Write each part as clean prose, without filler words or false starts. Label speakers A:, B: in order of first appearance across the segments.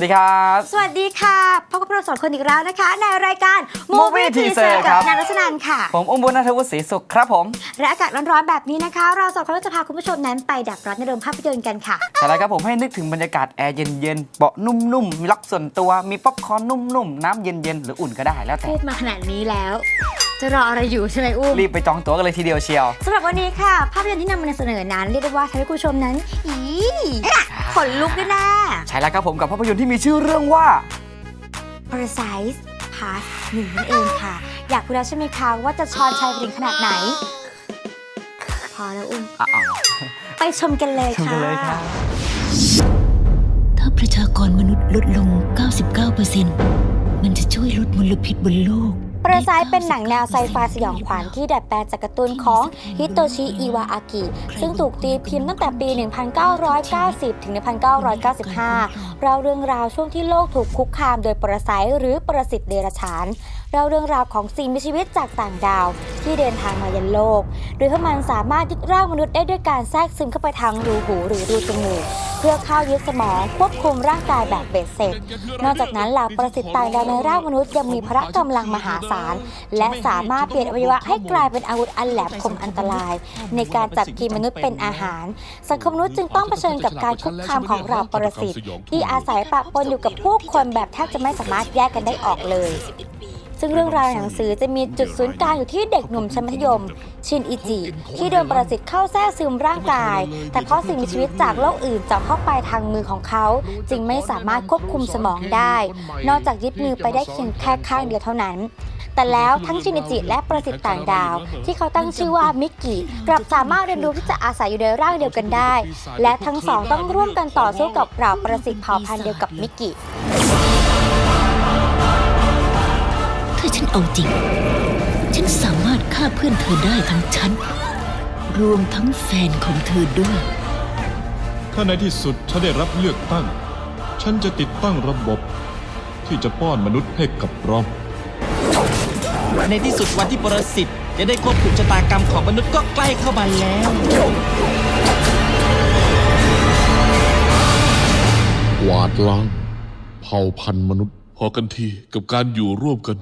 A: วัสดีครับ
B: สวัสดีค่ะพบกับเราสองคนอีกแล้วนะคะในรายการ
A: Movie Teaser
B: กับ
A: ครับ
B: นางรัชนันท์ค่ะ
A: ผมอุ้มบุญณัฐวุฒิศรีสุขครับผม
B: และอากาศร้อนๆแบบนี้นะคะเราสองคนก็จะพาคุณผู้ชมนั้นไปดับร้อนในโรงภาพยนตร์กันค่ะ
A: ใช่แล้วครับผมให้นึกถึงบรรยากาศแอร์เย็นๆเบาะนุ่มๆมีล็อกส่วนตัวมีป๊อปคอร์นนุ่มๆน้ำเย็นๆหรืออุ่นก็ได้แล้วแต่
B: พูดมาขนาดนี้แล้ว จะรออะไรอยู่ใช่ไหมอุ้ม
A: รีบไปจองตั๋วกันเลยทีเดียวเชียว
B: สำหรับวันนี้ค่ะภาพยนตร์ที่นำมาเสนอนั้นเรียกได้ว่าทำให้คุณผู้ชมนั้นขนลุกด้วยนะ
A: ใช่แล้วครับผมกับภาพยนตร์ที่มีชื่อเรื่องว่า
B: Parasite Part 1นั่นเองค่ะอยากรู้แล้วใช่ไหมคะว่าจะชอนชัยไปถึงขนาดไหนพอแล้วอุ้มไปชมกันเลย
A: ชมกั
B: ค่ะ
A: นเลยครับ
C: ถ้าประชากรมนุษย์ลดลง 99% มันจะช่วยลดมลพิษบนโลก
B: Parasite เป็นหนังแนวไซไฟสยองขวัญที่ดัดแปลงจากการ์ตูนของฮิโตชิ อิวาอากิ ซึ่งถูกตีพิมพ์ตั้งแต่ปี 1990 ถึง 1995 เราเรื่องราวช่วงที่โลกถูกคุกคามโดยปรสิตหรือปรสิตเดรัจฉานเราเรื่องราวของสิ่งมีชีวิตจากต่างดาวที่เดินทางมายันโลก โดยพวกมันสามารถยึดร่างมนุษย์ได้ด้วยการแทรกซึมเข้าไปทางรูหูหรือรูจมูกเพื่อเข้ายึดสมองควบคุมร่างกายแบบเบ็ดเสร็จ นอกจากนั้นเหล่าปรสิตต่างดาวในร่างมนุษย์ยังมีพละกำลังมหาศาลและสามารถเปลี่ยนอวัยวะให้กลายเป็นอาวุธอันแหลมคมอันตรายในการจับกินมนุษย์เป็นอาหารสังคมมนุษย์จึงต้องเผชิญกับการคุกคามของเหล่าปรสิตที่อาศัยปะปนอยู่กับผู้คนแบบแทบจะไม่สามารถแยกกันได้ออกเลยซึ่งเรื่องราวในหนังสือจะมีจุดศูนย์กลางอยู่ที่เด็กหนุ่มชั้นมัธยมชินอิจิที่โดนปรสิตเข้าแทรกซึมร่างกายแต่เพราะสิ่งมีชีวิตจากโลกอื่นเจาะเข้าไปทางมือของเขาจึงไม่สามารถควบคุมสมองได้นอกจากยึดมือไปได้เพียงแค่ข้างเดียวเท่านั้นแต่แล้วทั้งชินอิจิและปรสิตต่างดาวที่เขาตั้งชื่อว่ามิกกี้กลับสามารถเรียนรู้ที่จะอาศัยอยู่ในร่างเดียวกันได้และทั้งสองต้องร่วมกันต่อสู้กับเหล่าปรสิตเผ่าพันธุ์เดียวกับมิกกี้
C: ถ้าฉันเอาจริง ฉันสามารถฆ่าเพื่อนเธอได้ทั้งฉัน รวมทั้งแฟนของเธอด้วย
D: ถ้าในที่สุดฉันได้รับเลือกตั้ง ฉันจะติดตั้งระบบที่จะป้อนมนุษย์ให้กับเรา
E: ในที่สุดวันที่ปรสิตจะได้ควบคุมชะตากรรมของมนุษย์ก็ใกล้เข้ามาแล้ว
D: กวาดล้างเผ่าพันธุ์มนุษย์พอกันทีกับการอยู่ร่วมกัน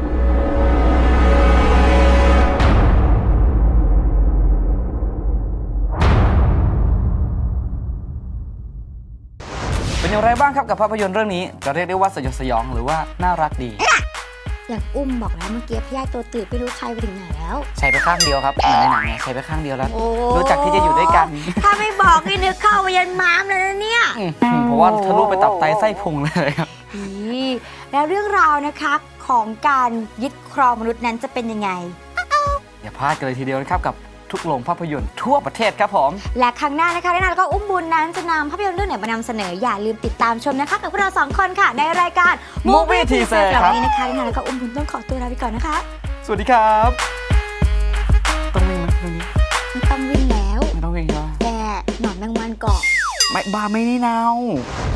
A: เป็นอย่างไรบ้างครับกับภาพยนตร์เรื่องนี้จะเรียกได้ว่าสยดสยองหรือว่าน่ารักดี
B: อย่างอุ้มบอกแล้วเมื่อกี้พี่ยาตัวตื่นไม่รู้ใครไปถึงไหนแล้ว
A: ใช้ไปข้างเดียวครับเหมือนในหนังเนี่ยใช้ไปข้างเดียวแล้วรู้จักที่จะอยู่ด้วยกัน
B: ถ้าไม่บอกนี่นึกเข้าไปยันม้ามเลยนะเนี่ย
A: เพราะว่าทะลุไปตับไตไส้พุงเลยครับ
B: แล้วเรื่องราวนะคะของการยึดครองมนุษย์นั้นจะเป็นยังไง
A: อย่าพลาดกันเลยทีเดียวนะครับกับทุกโรงภาพยนตร์ทั่วประเทศครับผม
B: และครั้งหน้านะคะแน่นอนแล้วก็อุ้มบุญนั้นจะนำภาพยนตร์เรื่องไหนมานำเสนออย่าลืมติดตามชมนะคะกับพวกเราสองคนค่ะในรายการ
A: Movie Teaser
B: ครับวันนี้นะคะแน่นอนแล้วก็อุ้มบุญต้องขอตัวลาไปก่อนนะคะ
A: สวัสดีครับต้องวิ่งไหมตรงนี้
B: ไม่ต้องวิ่งแล้ว
A: ไม่ต้องวิ่งแล้ว
B: แต่หนอนแมงวันเกาะ
A: ไม่บ้าไม่นี่นาว